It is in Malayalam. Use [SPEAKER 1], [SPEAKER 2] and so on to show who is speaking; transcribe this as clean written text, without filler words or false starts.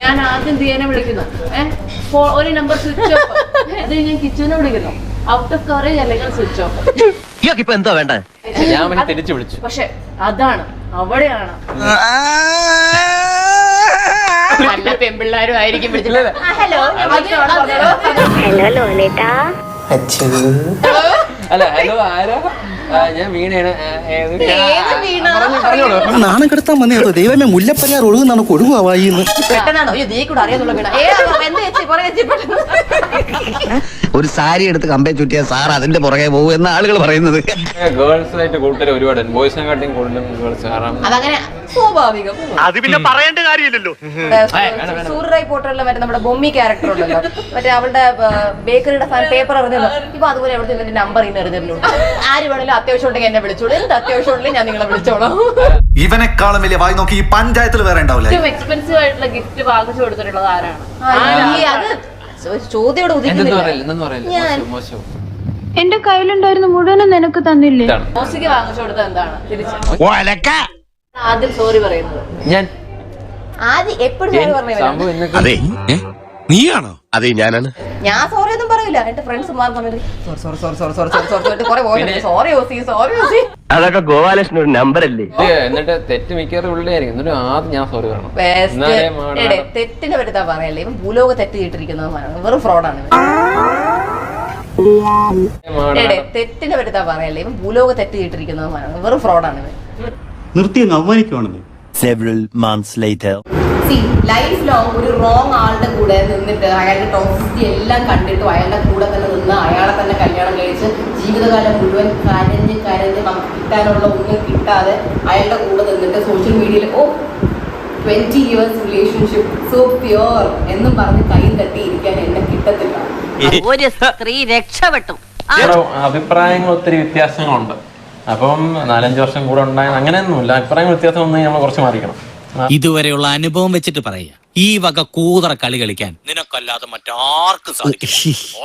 [SPEAKER 1] ഞാൻ ആദ്യം ദിയനെ വിളിക്കുന്നു, ഒരു നമ്പർ സ്വിച്ച് ഓഫ്. അത് ഞാൻ കിച്ചുവിനെ വിളിക്കുന്നു, ഔട്ട് ഓഫ് കവറേജ് അല്ലെങ്കിൽ സ്വിച്ച് ഓഫ്.
[SPEAKER 2] ഇപ്പൊ എന്താ വേണ്ട?
[SPEAKER 3] ഞാൻ തിരിച്ചു വിളിച്ചു.
[SPEAKER 1] പക്ഷെ അതാണ്, അവിടെയാണ് നല്ല പെൺപിള്ളേരും ആയിരിക്കും വിളിച്ചത്. ഹലോ
[SPEAKER 3] അല്ല, ഹലോ ആരാ? ഞാൻ വീണയാണ്.
[SPEAKER 4] നാണം കെടുത്താൻ വന്നേട്ടോ ദൈവമേ, മുല്ലപ്പരിയാർ ഒഴുകുന്നാണ് കൊടുവായിന്ന്.
[SPEAKER 1] പെട്ടെന്നാണോ നീ കൂടെ അറിയാന്നുള്ള വീണ?
[SPEAKER 2] ഒരു സാരി എടുത്ത് കമ്പേ ചുറ്റിയ സാർ അതിന്റെ പുറകെ പോകും എന്ന ആളുകൾ പറയുന്നത്.
[SPEAKER 3] ഗേൾസായിട്ട് കൂടുതൽ ഒരുപാട് ബോയ്സിനെക്കാട്ടിയും കൂടുതലും ഗേൾസ്. കാരണം
[SPEAKER 1] അതങ്ങനെ സ്വാഭാവികം.
[SPEAKER 4] അത് പിന്നെ പറയേണ്ട കാര്യമില്ലല്ലോ.
[SPEAKER 1] സൂര്യറായി പോട്ടുള്ള മറ്റേ നമ്മുടെ ബൊമ്മി ക്യാരക്ടർ ഉണ്ടല്ലോ, മറ്റേ അവളുടെ ബേക്കറിയുടെ പേപ്പർ എറിഞ്ഞല്ലോ, ഇപ്പൊ അതുപോലെ എവിടെ എന്റെ നമ്പർ ഇന്ന് എറിഞ്ഞല്ലോ. ആര് വേണേലും അത്യാവശ്യം ഉണ്ടെങ്കിൽ എന്നെ വിളിച്ചോളൂ, എന്ത് അത്യാവശ്യം ഉണ്ടെങ്കിൽ ഞാൻ നിങ്ങളെ വിളിച്ചോളാം.
[SPEAKER 5] ഇവനെക്കാളും വലിയ വായി നോക്കി ഈ പഞ്ചായത്തിൽ വേറെ ഉണ്ടാവില്ല.
[SPEAKER 1] ഏറ്റവും എക്സ്പെൻസീവ് ആയിട്ടുള്ള ഗിഫ്റ്റ് വാങ്ങിച്ചു കൊടുത്തിട്ടുള്ളത് ആരാണ്? അത് ചോദ്യോട്
[SPEAKER 3] മോശം.
[SPEAKER 6] എന്റെ കയ്യിലുണ്ടായിരുന്ന മുഴുവനും നിനക്ക് തന്നില്ലേ?
[SPEAKER 1] മോസിക്ക് വാങ്ങിച്ചു കൊടുത്തത് എന്താണ്? തിരിച്ച് ആദ്യം സോറി പറയുന്നത്
[SPEAKER 3] ഞാൻ
[SPEAKER 1] ആദ്യം എപ്പോഴും സോറി പറഞ്ഞു.
[SPEAKER 2] അതെ, നീയാണോ? അതെ, ഞാനാണ്.
[SPEAKER 1] ഞാൻ സോറി ഒന്നും പറയില്ല. എന്റെ ഫ്രണ്ട്സ് സോറി.
[SPEAKER 2] അതൊക്കെ ഗോപാലകൃഷ്ണൻ ഒരു നമ്പർ അല്ലേ?
[SPEAKER 3] എന്നിട്ട് തെറ്റ് മിക്കവാറും ഉള്ളിലായിരിക്കും. എന്നിട്ട് ആദ്യം ഞാൻ സോറി പറയണം.
[SPEAKER 1] തെറ്റിനെ പറ്റി പറയല്ലേ, ഇവൻ ഭൂലോക തെറ്റ് ചെയ്തിരിക്കുന്നത് വെറും ഫ്രോഡാണ്. തെറ്റിനെ പറ്റി പറയല്ലേ, ഇവൻ ഭൂലോക തെറ്റ് ചെയ്തിരിക്കുന്നത് വെറും ഫ്രോഡാണ്.
[SPEAKER 5] നിർത്തി അവമാനിക്കുവാണെന്ന്.
[SPEAKER 4] Several months later.
[SPEAKER 1] Life long ഒരു റോങ് ആളുടെ കൂടെ നിന്നിട്ട് അയാളുടെ ടോക്സിറ്റി എല്ലാം കണ്ടിട്ടും അയാളുടെ കൂടെ തന്നെ നിന്ന് അയാളെ തന്നെ കല്യാണം കഴിച്ച് ജീവിതകാലം മുഴുവൻ കരഞ്ഞ് നമുക്ക് കിട്ടാനുള്ള ഒന്നും കിട്ടാതെ അയാളുടെ കൂടെ നിന്നിട്ട് സോഷ്യൽ മീഡിയയിൽ 20 years റിലേഷൻഷിപ്പ് സോ പ്യുവർ എന്നും പറഞ്ഞ് കൈ തട്ടിയിരിക്കാൻ എന്നെ കിട്ടത്തില്ല.
[SPEAKER 7] ഒരു സ്ത്രീ രക്ഷപ്പെട്ടു.
[SPEAKER 3] അഭിപ്രായങ്ങൾ ഒത്തിരി വ്യത്യാസങ്ങളുണ്ട്. അപ്പം 4-5 വർഷം കൂടെ ഉണ്ടായ അങ്ങനെയൊന്നുമില്ല. അഭിപ്രായങ്ങൾ വ്യത്യാസം വന്നു നമ്മൾ കുറച്ച് മാറിക്കണം.
[SPEAKER 8] ഇതുവരെയുള്ള അനുഭവം വെച്ചിട്ട് പറയാ, ഈ വക കൂതറ കളി കളിക്കാൻ നിനക്കല്ലാതെ മറ്റാർക്കും സാധിക്കും.